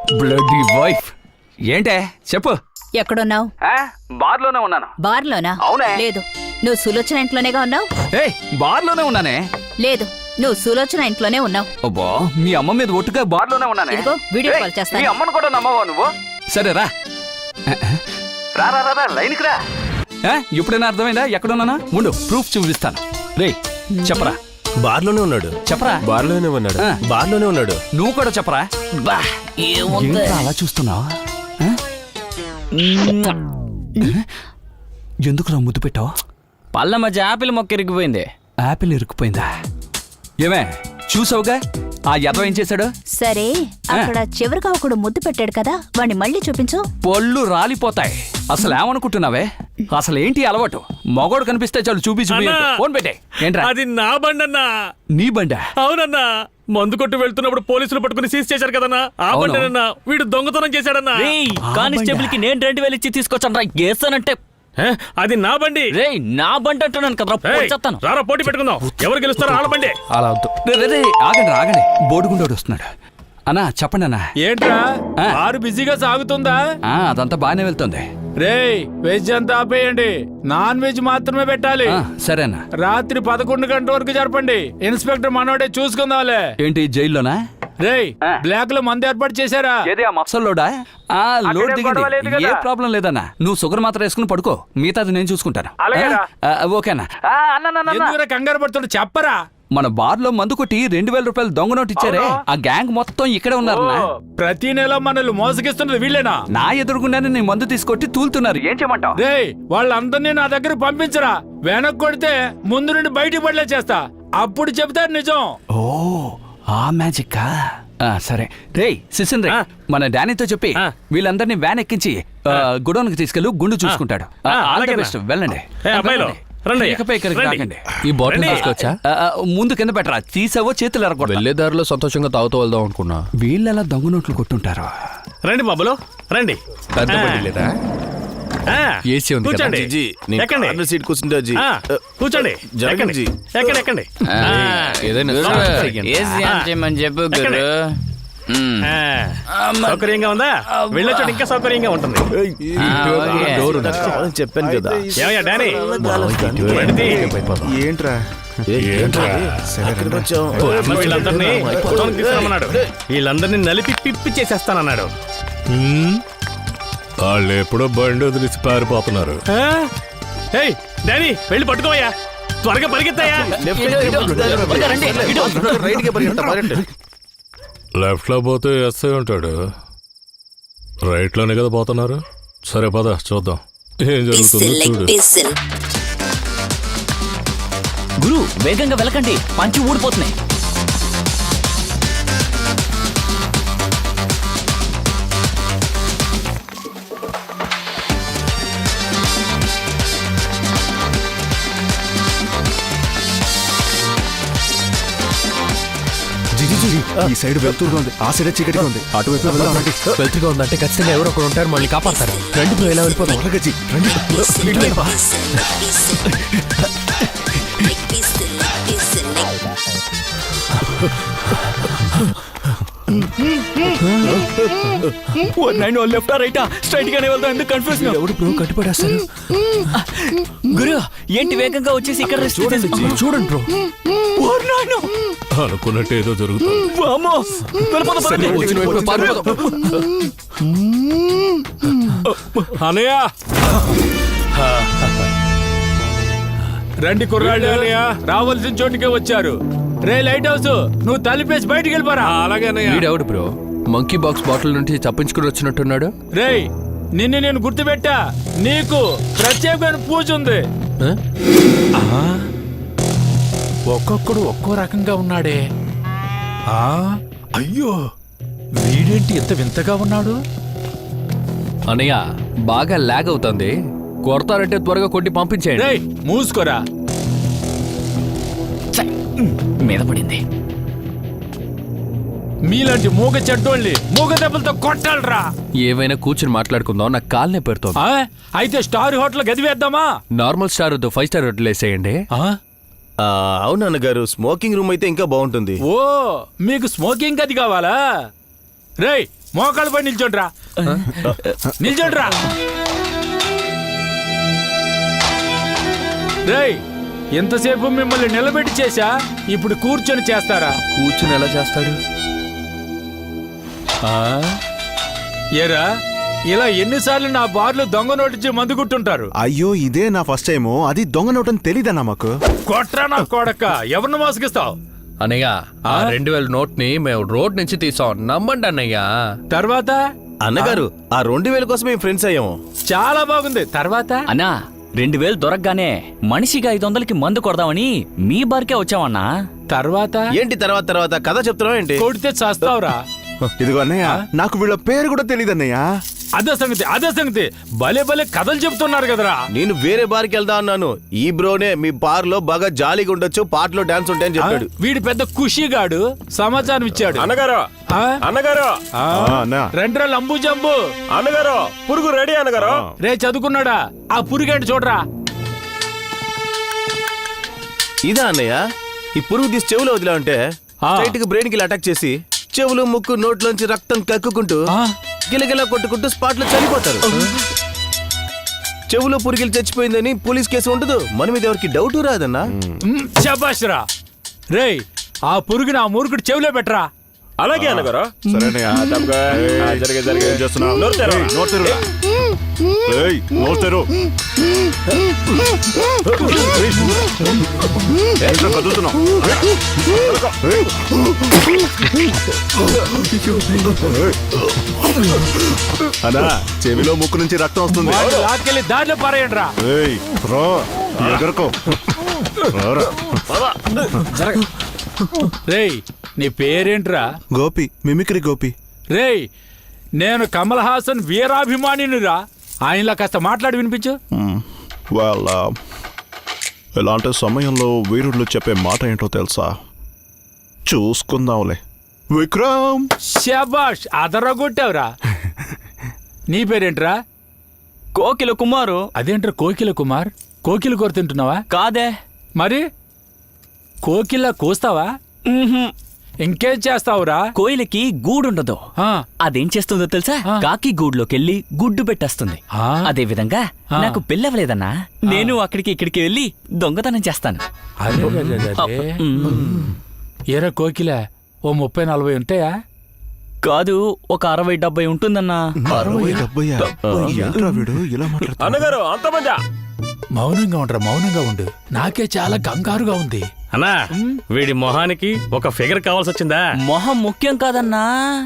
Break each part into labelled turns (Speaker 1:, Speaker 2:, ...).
Speaker 1: Bloody wife ఏంటే చెప్పు.
Speaker 2: ఎక్కడున్నావు?
Speaker 1: బార్లోనే ఉన్నాను.
Speaker 2: బార్లోనా?
Speaker 1: అవునే.
Speaker 2: లేదు, నువ్వు సులోచన ఇంట్లోనేగా ఉన్నావు.
Speaker 1: బార్లోనే ఉన్నానే.
Speaker 2: లేదు, నువ్వు సులోచన ఇంట్లోనే ఉన్నావు.
Speaker 1: అబ్బా, మీ అమ్మ మీద ఒట్టుగా బార్లోనే ఉన్నానే.
Speaker 2: ఇదిగో వీడియో కాల్ చేస్తాను.
Speaker 1: మీ అమ్మను కూడా నమ్మవా నువ్వు? సరే రా రా రా రా లైన్కి రా. ఇప్పుడైనా అర్థమైందా ఎక్కడున్నానా? ఉండు, ప్రూఫ్ చూపిస్తాను. రే చెప్పరా.
Speaker 3: బార్లోనే ఉన్నాడు.
Speaker 1: చెప్పరా.
Speaker 3: బార్లోనే ఉన్నాడు. బార్లోనే ఉన్నాడు.
Speaker 1: నువ్వు కూడా చెప్పరా. ఏంట్రా అలా చూస్తున్నావు? ఎందుకురా ముద్దు పెట్టావు?
Speaker 4: పళ్ళ మధ్య యాపిల్ మొక్క ఇరిగిపోయింది.
Speaker 1: యాపిల్ ఇరుక్కుపోయిందా? ఏమే చూసావుగా ఆ యదవ ఏం చేశాడు?
Speaker 2: సరే, అక్కడ చివరిగా ఒకడు ముద్దు పెట్టాడు కదా, వాణ్ణి మళ్ళీ చూపించు.
Speaker 1: పళ్ళు రాలిపోతాయి. అసలు ఏమనుకుంటున్నావే? అసలు ఏంటి అలవాటు? మగోడు కనిపిస్తే చాలు చూపించు. ఫోన్ పెట్టే. ఏంట్రా?
Speaker 5: అది నా బండన్నా.
Speaker 1: నీ బండా?
Speaker 5: అవునన్నా, మందు కొట్టు వెళ్తున్నప్పుడు పోలీసులు పట్టుకుని సీజ్ చేశారు కదన్నా, ఆ బండనన్నా. వీడు దొంగతనం చేశాడన్నా.
Speaker 4: కానిస్టేబుల్ కి నేను 2000 ఇచ్చి తీసుకొచ్చాను రా. గేసానంటే
Speaker 5: అది నా బండి.
Speaker 4: రే నా బండి అంటున్నాను కదా. చెప్తాను
Speaker 5: రారా, పోటీ పెట్టుకుందాం. ఎవరు గెలుస్తారో వాళ్ళ బండి.
Speaker 1: అలా వద్దు. ఆగండి ఆగండి, బోడుగుండోడు వస్తున్నాడు. అన్నా చెప్పండి అన్నా.
Speaker 6: ఏంట్రా ఆరు బిజీగా సాగుతుందా?
Speaker 1: అదంతా బాగానే వెళ్తుంది.
Speaker 6: రేయ్, వెజ్ అంతా ఆపేయండి, నాన్ వెజ్ మాత్రమే పెట్టాలి.
Speaker 1: సరేనా.
Speaker 6: రాత్రి 11 గంటల వరకు జరపండి. ఇన్స్పెక్టర్ మనోడే చూసుకుందాంలే.
Speaker 1: ఏంటి జైల్లోనా?
Speaker 6: రేయ్, బ్లాక్ లో మందు ఏర్పాటు చేశారా?
Speaker 1: మఫ్సల్లోడా? లోడ్ దిగింది. ఏ ప్రాబ్లం లేదన్నా. నువ్వు షుగర్ మాత్రం వేసుకుని పడుకో, మిగతాది నేను చూసుకుంటాను. ఓకేనా?
Speaker 6: ఎందుకురా కంగారు పడుతుంటే చెప్పరా.
Speaker 1: మన బార్ లో మందు కొట్టి 2000 రూపాయలు దొంగ నోటు ఇచ్చారే, ఆ గ్యాంగ్ మొత్తం ఇక్కడే ఉన్నారు.
Speaker 6: ప్రతి నెల మనల్ని మోసగిస్తున్నది వీళ్ళేనా?
Speaker 1: నా ఎదురుగుండానే నీ మందు తీసుకొట్టి తూలుతున్నారు. ఏం చేయమంటావు?
Speaker 6: రేయ్, వాళ్ళందరినీ నా దగ్గర పంపించరా. వెనక్కి కొడితే ముందు నుండి బయటికి పడలే చేస్తా, అప్పుడు చెప్తారు నిజం.
Speaker 1: ఓ ఆ మ్యాజిక్. సరే రేయ్ సిసిన్ రే, మన డానీతో చెప్పి వీళ్ళందరినీ వ్యాన్ ఎక్కించి గుడౌన్ కి తీసుకెళ్ళు, గుండు చూసుకుంటాడు. వెళ్ళండి.
Speaker 3: ఈ బాటిల్ తీసుకొచ్చా?
Speaker 1: ముందు కింద పెట్టరా. తీసావో చేతులు ఎరగొట్టు.
Speaker 3: వెళ్లే దారిలో సంతోషంగా తాగుతూ వెళ్దాం అనుకున్నా.
Speaker 1: వీళ్ళెలా దొంగ నోట్లు కొట్టుంటారు.
Speaker 5: రండి బాబులు రండి.
Speaker 3: పెద్ద బండి లేదా? ఏసీ ఉంది కదా?
Speaker 5: కూర్చోండి. ఎక్కండి.
Speaker 3: సీట్ కూర్చుంటే
Speaker 5: కూర్చోండి. ఎక్కండి ఎక్కండి ఎక్కండి.
Speaker 3: ఏదైనా
Speaker 4: చేయమని చెప్పు గురు.
Speaker 5: సౌకర్యంగా ఉందా? వెళ్ళొచ్చు, ఇంకా సౌకర్యంగా ఉంటుంది.
Speaker 3: చెప్పాను కదా.
Speaker 5: ఏమయ్యా డానీ,
Speaker 3: ఏంట్రా
Speaker 5: వీళ్ళందరినీ తీసుకురమ్మన్నాడు. వీళ్ళందరినీ నలిపి పిప్పి చేసేస్తానన్నాడు.
Speaker 7: వాళ్ళు ఎప్పుడో బండి వదిలిసి పారిపోతున్నారు.
Speaker 5: డానీ వెళ్ళి పట్టుకోవయ్యా, త్వరగా పరిగెత్తాయా.
Speaker 7: లెఫ్ట్ లో పోతే ఎస్ఐ ఉంటాడు, రైట్ లోనే కదా పోతున్నారు. సరే పద చూద్దాం ఏం జరుగుతుందో చూడు.
Speaker 4: గురు వేగంగా వెళ్ళకండి, పంచి ఊడిపోతున్నాయి.
Speaker 3: ఈ సైడ్ వెళ్తురుగా ఉంది, ఆ సైడ్ చీకటిగా ఉంది. అటువైపు వెళ్తురుగా ఉందంటే ఖచ్చితంగా ఎవరో ఒకరు ఉంటారు, మళ్ళీ కాపాడతారు. రండి బ్రో, ఎలా వెళ్ళిపోతాం?
Speaker 4: లెఫ్ట్ రైటా స్ట్రైట్ గానే వెళ్తాం. ఎందుకు కన్ఫ్యూజన్?
Speaker 1: ఎవడు బ్రో కట్టిపడేస్తారు?
Speaker 4: గురు ఏంటి వేగంగా వచ్చేసి ఇక్కడ
Speaker 1: చూడండి బ్రో.
Speaker 7: అనుకున్నట్టు ఏదో జరుగుతుంది.
Speaker 6: అనయ్య రండి కుర్రాళ్ళు, అనయ్య రావాల్సిన చోటుకే వచ్చారు. రే లైట్ హౌస్, నువ్వు తలిపేసి బయటికి వెళ్ళిపోరా.
Speaker 5: అలాగే
Speaker 3: వీడెవడు బ్రో మంకీ బాక్స్ బాటిల్ నుంచి తప్పించుకుని వచ్చినట్టున్నాడు?
Speaker 6: రేయ్, నిన్ను నేను గుర్తుపెట్టా, నీకు ప్రత్యేకమైన పూజ ఉంది. ఒక్కొక్కడు ఒక్కో రకంగా ఉన్నాడే. అయ్యో, వీడేంటి ఇంత వింతగా ఉన్నాడు?
Speaker 3: అనయ్య బాగా లాగ్ అవుతుంది, కొడతారంటే త్వరగా కొట్టి పంపించేయండి.
Speaker 6: రేయ్ మూసుకోరా.
Speaker 4: మీద పడింది.
Speaker 6: మీలాంటి మూగ చెడ్డోళ్ళని మూగ దెబ్బలతో కొట్టాలరా.
Speaker 3: ఏవైనా కూర్చుని మాట్లాడుకుందాం, నాకు కాల్నే పెడుతోంది.
Speaker 6: అయితే స్టార్ హోటల్ గది వేద్దామా?
Speaker 3: నార్మల్ స్టార్ వద్దు, 5 స్టార్ హోటల్ వేసేయండి.
Speaker 8: అవునన్న గారు, స్మోకింగ్ రూమ్ అయితే ఇంకా బాగుంటుంది.
Speaker 6: ఓ, మీకు స్మోకింగ్ గది కావాలా? రేయ్ మోకాళ్ళ పై నిల్చోండ్రా. నిల్చోండ్రా. రేయ్, ఎంతసేపు మిమ్మల్ని నిలబెట్టి చేశా, ఇప్పుడు కూర్చొని చేస్తారా?
Speaker 3: కూర్చుని ఎలా చేస్తాడు?
Speaker 6: ఏరా, ఇలా ఎన్నిసార్లు నా బార్లు దొంగ నోటించి మందు గుట్టుంటారు?
Speaker 9: అయ్యో ఇదే నా ఫస్ట్ టైము. అది దొంగ నోటని తెలీదన్నా మాకు.
Speaker 6: కొట్రా నా కొడక, ఎవరిని మోసగిస్తావు?
Speaker 3: అన్నయ్య, ఆ 2000 నోట్ ని మేము రోడ్ నుంచి తీసాం, నమ్మండి అన్నయ్య.
Speaker 6: తర్వాత
Speaker 8: అన్నగారు ఆ 2000 కోసం మేము ఫ్రెండ్స్ అయ్యాము.
Speaker 6: చాలా బాగుంది. తర్వాత
Speaker 4: అన్నా 2000 దొరకగానే మనిషికి 500కి మందు కొడదామని మీ బార్కే వచ్చామన్నా.
Speaker 6: తర్వాత
Speaker 8: ఏంటి తర్వాత తర్వాత కథ చెప్తున్నావు ఏంటి?
Speaker 6: కొడితే చేస్తావురా.
Speaker 9: ఇదిగో అన్నయ్య, నాకు వీళ్ళ పేరు కూడా తెలీదన్నయ్య.
Speaker 6: అదే సంగతి. భలే భలే కథలు చెప్తున్నారు కదరా.
Speaker 8: నేను వేరే బార్కి వెళ్దా అన్నాను. ఈ బ్రోనే మీ బార్ లో బాగా జాలీగా ఉండొచ్చు, పాటలో డాన్స్ ఉంటాయని చెప్పాడు.
Speaker 6: వీడి పెద్ద ఖుషిగాడు సమాచారం ఇచ్చాడు.
Speaker 5: అన్నగారు
Speaker 6: ఆ?
Speaker 5: అన్నగారు
Speaker 6: ఆ.
Speaker 9: అన్న
Speaker 6: రెండ్రా లంబు జంబు.
Speaker 5: అన్నగారు పురుగు రెడీ అన్నగారు.
Speaker 6: రే చదువుకున్నాడా? ఆ పురిగేంటి చూడరా.
Speaker 8: ఇదా అన్నయ్య, ఈ పురుగు తీసి చెవులో వదిలా ఉంటే స్ట్రైట్ గా బ్రెయిన్ కి అటాక్ చేసి చెవులు ముక్కు నోట్లోంచి రక్తం కక్కుకుంటూ గిలగిలా కొట్టుకుంటూ స్పాట్ లో చనిపోతారు. చెవులో పురుగులు చచ్చిపోయిందని పోలీస్ కేసు ఉండదు, మన మీద ఎవరికి డౌట్ రాదన్నా.
Speaker 6: శబాష్ రా. రే, ఆ పురుగుని ఆ మూర్ఖుడు చెవిలో పెట్టరా.
Speaker 5: అలాగే అన్నగారు.
Speaker 9: సరేనయ్య. ఏం చేస్తున్నావ్? ఏయ్, నోరు తెరువురా. ఏయ్, నోరు తెరు. ఏంట్రా కదులుతున్నావ్? ఏయ్. అన్నా, చెవిలో ముక్కు నుంచి రక్తం వస్తుంది.
Speaker 6: వాడిని లాక్కెళ్ళి దారిలో పారేయండి రా.
Speaker 9: ఏయ్, రా, ఎగరకో. రారా.
Speaker 6: రేయ్, నీ పేరేంట్రా?
Speaker 9: గోపి, మిమిక్రీ గోపి.
Speaker 6: రేయ్, నేను కమల్ హాసన్ వీరాభిమానినిరా. ఆయనలా కాస్త మాట్లాడి వినిపించు.
Speaker 9: వాళ్ళ ఇలాంటి సమయంలో వీరుళ్ళు చెప్పే మాట ఏంటో తెలుసా? చూసుకుందాంలే. విక్రమ్.
Speaker 6: శబాష్, అదరగొట్టావురా. నీ పేరేంట్రా?
Speaker 4: కోకిల కుమారు.
Speaker 6: అదేంట్రా కోకిల కుమార్? కోకిల కూర తింటున్నావా?
Speaker 4: కాదే.
Speaker 6: మరి కోకిల కూస్తావా? ఇంకేం చేస్తావురా?
Speaker 4: కోయిలకి గూడుండదు.
Speaker 6: ఆ,
Speaker 4: అదేం చేస్తుందో తెలుసా?
Speaker 6: ఆ.
Speaker 4: కాకి గూడులోకెళ్ళి గుడ్డు పెట్టేస్తుంది.
Speaker 6: ఆ.
Speaker 4: అదే విధంగా నాకు పెళ్ళవలేదన్నా, నేను అక్కడికి ఇక్కడికి వెళ్ళి దొంగతనం చేస్తాను.
Speaker 6: అదే అదే, అదే. ఏరా కోకిల, ఓ 30-40 ఉంటాయా?
Speaker 4: కాదు, ఒక 60-70 ఉంటుందన్నా.
Speaker 9: 60-70? ఏంట్రా వీడు ఇలా మాట్లాడుతున్నాడు?
Speaker 5: అన్నగారు అంతమంది.
Speaker 6: మౌనంగా ఉండు. నాకే చాలా కంగారుగా ఉంది.
Speaker 5: అన్నా, వీడి మొహానికి ఒక ఫిగర్ కావాల్సి వచ్చిందా?
Speaker 4: మొహం ముఖ్యం కాదన్నా,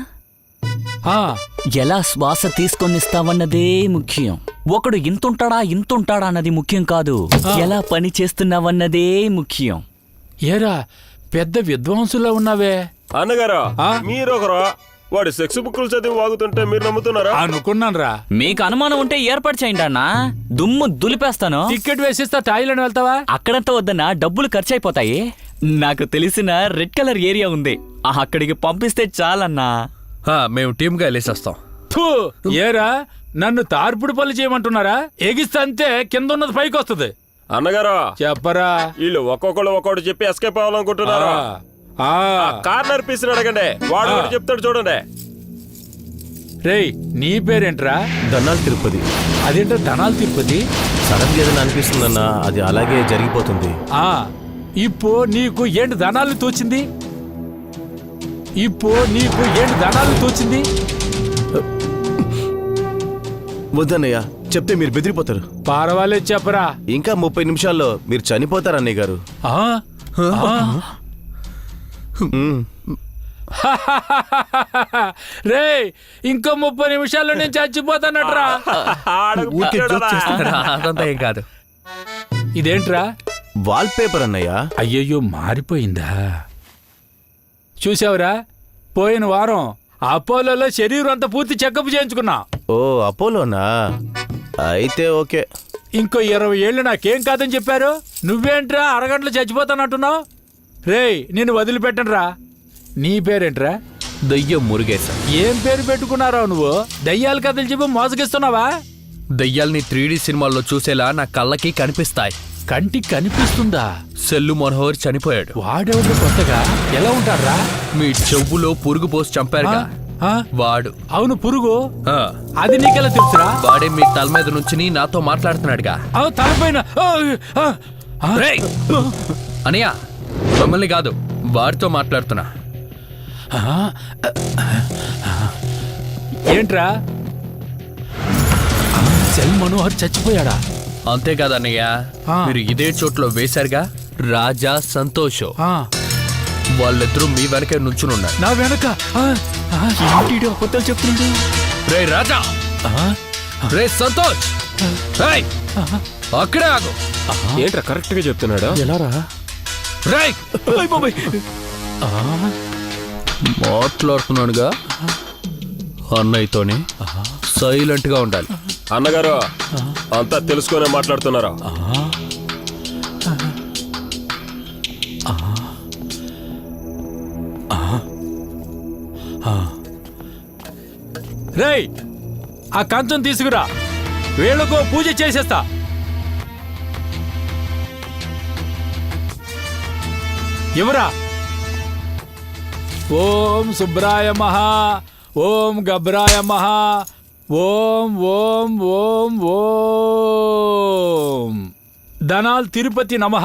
Speaker 6: ఆ,
Speaker 4: ఎలా శ్వాస తీసుకొనిస్తావన్నదే ముఖ్యం. ఒకడు ఇంతుంటాడా అన్నది ముఖ్యం కాదు, ఎలా పని చేస్తున్నావన్నదే ముఖ్యం.
Speaker 6: ఏరా పెద్ద విద్వాంసులా ఉన్నావే.
Speaker 5: అన్నగారు
Speaker 6: ఆ?
Speaker 5: మీరొకరు వాడి సెక్స్ బుక్కులు చదివి వాగుతుంటే మీరు నమ్ముతున్నారా?
Speaker 6: అనుకున్నానురా.
Speaker 4: మీకు అనుమానం ఉంటే ఏర్పాటు చేయండి అన్నా, దుమ్ము దులిపేస్తాను.
Speaker 6: టికెట్ వేసిస్తా, థాయిలాండ్ వెళ్తావా?
Speaker 4: అక్కడంతా వద్దన్నా, డబ్బులు ఖర్చు అయిపోతాయి. నాకు తెలిసిన రెడ్ కలర్ ఏరియా ఉంది, అక్కడికి పంపిస్తే చాలన్నా.
Speaker 3: మేము టీమ్ గా వెళ్ళేసేస్తాం.
Speaker 6: ఫు, ఏరా నన్ను తార్పుడు పనులు చేయమంటున్నారా? ఎగిస్తే అంతే కింద ఉన్నది పైకి వస్తుంది.
Speaker 5: అన్నగారు
Speaker 6: చెప్పరా.
Speaker 5: వీళ్ళు ఒక్కొక్కడు చెప్పి ఎస్కేప్ అవ్వాలనుకుంటున్నారు.
Speaker 6: ఆ,
Speaker 5: కార్నర్ పీస్ అడగండి, వాడు ఒకటి చెప్తాడు చూడండి.
Speaker 6: రేయ్, నీ పేరేంట్రా?
Speaker 8: ధనాలు తిరుపతి.
Speaker 6: అదేంటో ధనాలు తిరుపతి.
Speaker 8: సడన్ గా ఏదైనా అనిపిస్తుందన్నా, అది అలాగే జరిగిపోతుంది.
Speaker 6: ఆ, ఇప్పు నీకు ఏంటి ధనాలు తోచింది?
Speaker 8: వద్దన్నయ్య, చెప్తే మీరు బెదిరిపోతారు.
Speaker 6: పర్వాలేదు చెప్పరా.
Speaker 8: ఇంకా 30 నిమిషాల్లో మీరు చనిపోతారు అన్నయ్య గారు.
Speaker 6: ఆ? ఆ? రేయ్, ఇంకో 30 నిమిషాల్లో నేను చచ్చిపోతానట్రా.
Speaker 3: అదంతా ఏం కాదు.
Speaker 6: ఇదేంట్రా?
Speaker 8: వాల్ పేపర్ అన్నయ్య.
Speaker 6: అయ్యయ్యో, మారిపోయిందా? చూసావురా, పోయిన వారం అపోలోలో శరీరం అంతా పూర్తి చెకప్ చేయించుకున్నా.
Speaker 8: ఓ, అపోలోనా? అయితే ఓకే.
Speaker 6: ఇంకో 20 ఏళ్ళు నాకేం కాదని చెప్పారు. నువ్వేంట్రా అరగంటలో చచ్చిపోతానంటున్నావు? రేయ్, నేను వదిలిపెట్టనురా. నీ పేరేంట్రా?
Speaker 3: దయ్యం మురుగేశ.
Speaker 6: ఏం పేరు పెట్టుకున్నారో నువ్వు? దయ్యాల కథలు చెప్పి మోసగిస్తున్నావా?
Speaker 3: దయ్యాల్ని 3D సినిమాల్లో చూసేలా నా కళ్ళకి కనిపిస్తాయి.
Speaker 6: కంటికి కనిపిస్తుందా?
Speaker 3: సెల్లు మనోహర్ చనిపోయాడు.
Speaker 6: వాడెవడు కొత్తగా ఎలా ఉంటారా?
Speaker 3: మీ చెవులో పురుగు పోసి చంపారుగా,
Speaker 6: ఆ?
Speaker 3: వాడు
Speaker 6: అవును పురుగు
Speaker 3: ఆ,
Speaker 6: అది నీకెలా తెలుసురా?
Speaker 3: వాడే మీ తల మీద నుంచి నాతో మాట్లాడుతున్నాడుగా.
Speaker 6: అవు తలపైన
Speaker 3: రేయ్! అనయ్య మమ్మల్ని కాదు వాడితో మాట్లాడుతున్నా.
Speaker 6: ఏంట్రా సెల్ మనోహర్ చచ్చిపోయాడా?
Speaker 3: అంతేకాదు అన్నయ్య,
Speaker 6: ఆ.
Speaker 3: మీరు ఇదే చోట్లో వేశారుగా రాజా సంతోష్,
Speaker 6: ఆ,
Speaker 3: వాళ్ళిద్దరూ మీ వెనకే నుంచునున్నారు.
Speaker 6: నా వెనక
Speaker 4: అబద్ధాలు చెప్తున్నాడు.
Speaker 3: రే రాజా, రే సంతోష్, రేయ్, అక్కడే ఆగు.
Speaker 9: ఏంట్రా కరెక్ట్ గా చెప్తున్నాడు?
Speaker 3: రేయ్, మాట్లాడుతున్నాడుగా అన్నయ్యతోని సైలెంట్ గా ఉండాలి.
Speaker 9: అన్నగారు అంతా తెలుసుకునే మాట్లాడుతున్నారా?
Speaker 6: రేయ్ ఆ కంచం తీసుకురా, వీళ్ళకో పూజ చేసేస్తా. ఎవరా? ఓం సుబ్రాయ మహా, ఓం గబ్రాయ మహా, ఓం ఓం ఓం ఓం ధనాల్ తిరుపతి నమః.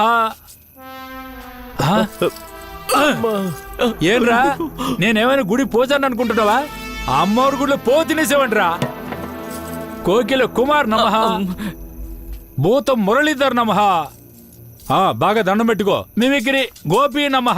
Speaker 6: ఏంరా నేనేమైనా గుడి పోచాను అనుకుంటున్నావా? అమ్మవారి గుడిలో పో తినేసేవంట్రా. కోకిల కుమార్ నమః, భూతం మురళీధర్ నమః. బాగా దండం పెట్టుకో. మిమిక్రీ గోపి నమః.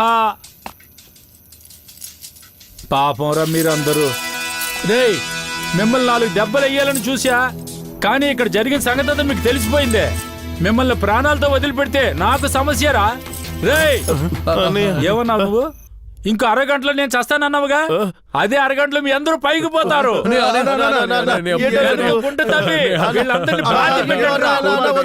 Speaker 6: పాపంరా మీరందరూ. రేయ్ మిమ్మల్ని 4 దెబ్బలు వేయాలని చూసా, కానీ ఇక్కడ జరిగిన సంగతి అంతా మీకు తెలిసిపోయిందే. మిమ్మల్ని ప్రాణాలతో వదిలిపెడితే నాకు సమస్యరా? రేయ్ ఏమన్నా నువ్వు? ఇంకో అరగంటలో నేను చస్తానన్నావుగా, అదే అరగంటలో మీ అందరూ పైకి పోతారు. గుంట తవ్వి వీళ్ళందరినీ బాధ పెట్టండిరా.